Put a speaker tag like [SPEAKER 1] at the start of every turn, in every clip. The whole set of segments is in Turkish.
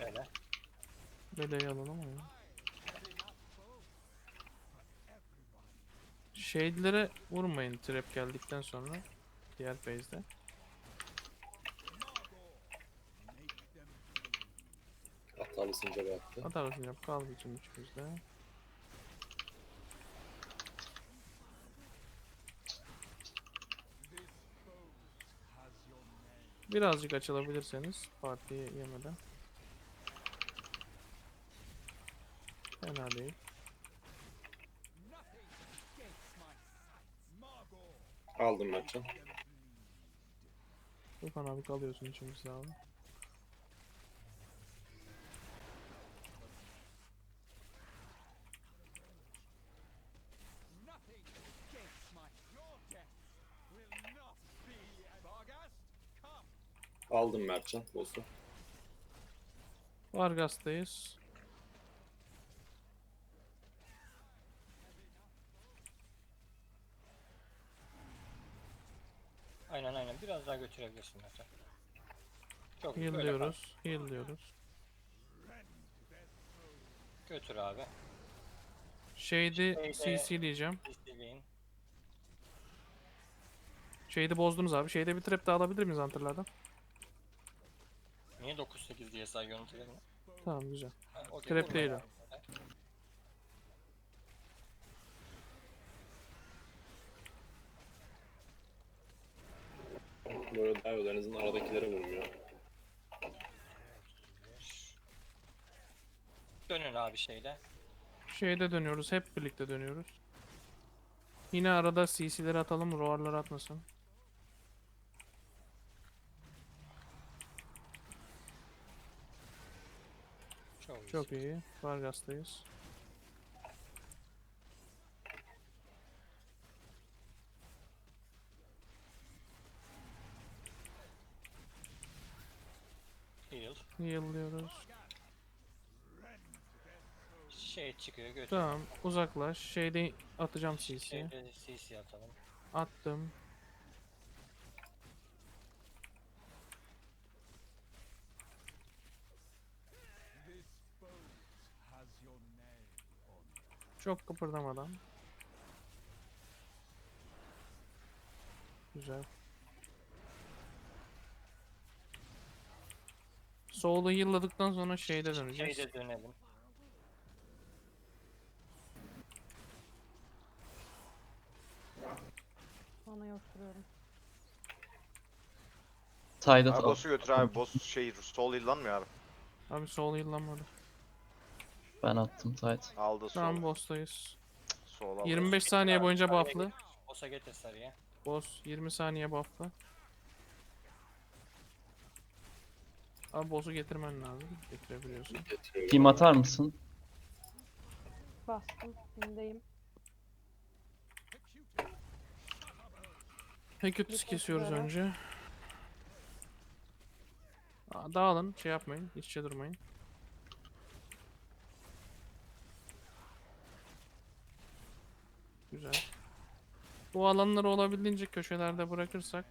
[SPEAKER 1] Öyle.
[SPEAKER 2] Beleyi alalım ama ya. Shade'lere vurmayın trap geldikten sonra. Diğer phase'de.
[SPEAKER 3] Atarlı sincarı attı.
[SPEAKER 2] Atarsın yap kaldı bütün üçümüzde. Birazcık açılabilirseniz partiye yemeden. Fena değil.
[SPEAKER 3] Aldım Mertcan.
[SPEAKER 2] Tufan abi kalıyorsun içimizde abi.
[SPEAKER 3] Aldım Mertcan. Boss'u.
[SPEAKER 2] Vargas'tayız.
[SPEAKER 1] Aynen. Biraz daha götürebilirsin zaten. Çok iyi,
[SPEAKER 2] Heal
[SPEAKER 1] böyle kal.
[SPEAKER 2] diyoruz. Heal diyoruz.
[SPEAKER 1] Götür abi.
[SPEAKER 2] Shade'i
[SPEAKER 1] Şeyde
[SPEAKER 2] CC diyeceğim.
[SPEAKER 1] CC'leyin.
[SPEAKER 2] Shade'i bozdunuz abi. Shade'e bir trap daha alabilir miyiz Hunter'lardan?
[SPEAKER 1] Niye 9-8 diye sayıyorsun treni?
[SPEAKER 2] Tamam güzel.
[SPEAKER 1] Okey,
[SPEAKER 2] Trap
[SPEAKER 1] vurmayın
[SPEAKER 2] değil o.
[SPEAKER 1] abi.
[SPEAKER 3] Böyle daha iyi. En azından aradakilere vurmuyor.
[SPEAKER 1] Dönün abi şeyle.
[SPEAKER 2] Shade'e dönüyoruz. Hep birlikte dönüyoruz. Yine arada CC'leri atalım. Roar'ları atmasın. Çok iyi. Vargas'tayız.
[SPEAKER 1] Heal.
[SPEAKER 2] Heal diyoruz.
[SPEAKER 1] Şey çıkıyor, götür.
[SPEAKER 2] Tamam. Uzaklaş. Shade'i atacağım CC'ye.
[SPEAKER 1] Şeyde CC atalım.
[SPEAKER 2] Attım. Çok kıpırdamadan. Güzel. Soul'u heal'ladıktan sonra shade'e döneceğiz.
[SPEAKER 1] Şeyde dönelim.
[SPEAKER 4] Sana yosturuyorum.
[SPEAKER 5] Tide'ı
[SPEAKER 6] Abi
[SPEAKER 5] al.
[SPEAKER 6] boss'u götür abi. Boss şey sol yıllanmıyor abi.
[SPEAKER 2] Abi soul heal'lanmadı.
[SPEAKER 5] Ben attım Tide.
[SPEAKER 6] Aldı sol.
[SPEAKER 2] Tamam boss'tayız.
[SPEAKER 6] Sol aldı.
[SPEAKER 2] 25 saniye boyunca
[SPEAKER 1] Sarıya
[SPEAKER 2] buff'lı.
[SPEAKER 1] getir. Boss'a getir sarıya.
[SPEAKER 2] Boss 20 saniye buff'lı. Abi boss'u getirmen lazım. Getirebiliyorsun.
[SPEAKER 3] Getiriyorum.
[SPEAKER 5] Team atar mısın?
[SPEAKER 4] Bastım. Şimdiyim.
[SPEAKER 2] Pekütüs
[SPEAKER 4] Bir
[SPEAKER 2] kesiyoruz
[SPEAKER 4] üzere.
[SPEAKER 2] önce. Dağılın. Şey yapmayın. İç içe durmayın. Güzel. Bu alanları olabildiğince köşelerde bırakırsak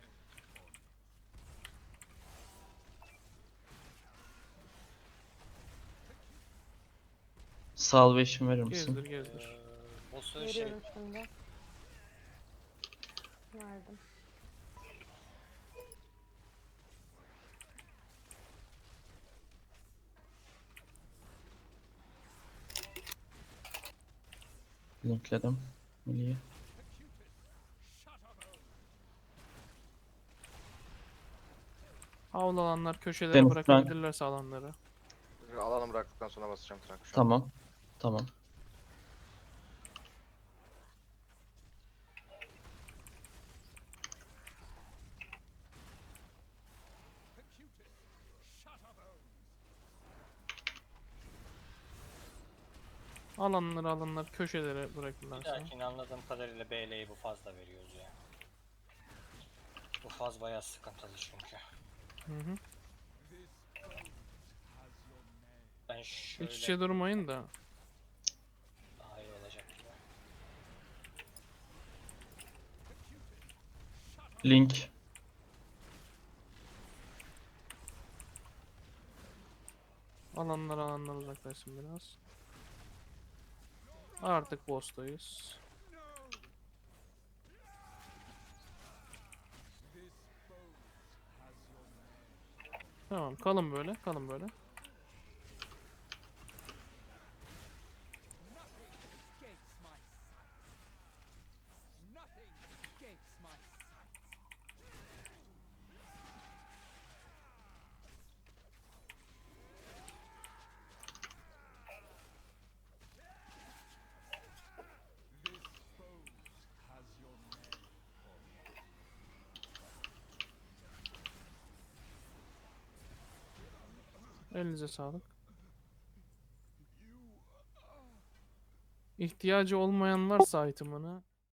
[SPEAKER 5] Salvation verir misin?
[SPEAKER 2] gezdir gezdir.
[SPEAKER 1] Boss'u şey
[SPEAKER 4] Veriyorum şimdi. Verdim.
[SPEAKER 5] Linkledim. Milli'yi.
[SPEAKER 2] Havlu alanlar köşelere
[SPEAKER 5] Deniz,
[SPEAKER 2] bırakabilirlerse alanları.
[SPEAKER 6] Alanı bıraktıktan sonra basacağım trank şu an.
[SPEAKER 5] Tamam. Tamam.
[SPEAKER 2] Alanlar köşelere
[SPEAKER 1] bir
[SPEAKER 2] bırakırlarsa.
[SPEAKER 1] dahakine anladığım kadarıyla BL'yi bu fazla veriyoruz ya. Bu faz bayağı sıkıntılı çünkü.
[SPEAKER 2] Hı hı.
[SPEAKER 1] Ben
[SPEAKER 2] İç
[SPEAKER 1] şöyle
[SPEAKER 2] içe durmayın da.
[SPEAKER 1] daha iyi olacak gibi.
[SPEAKER 2] Alanlar uzaklaşsın biraz. Artık boss'tayız. Tamam, kalın böyle, kalın böyle. Elinize sağlık. İhtiyacı olmayan varsa item'ını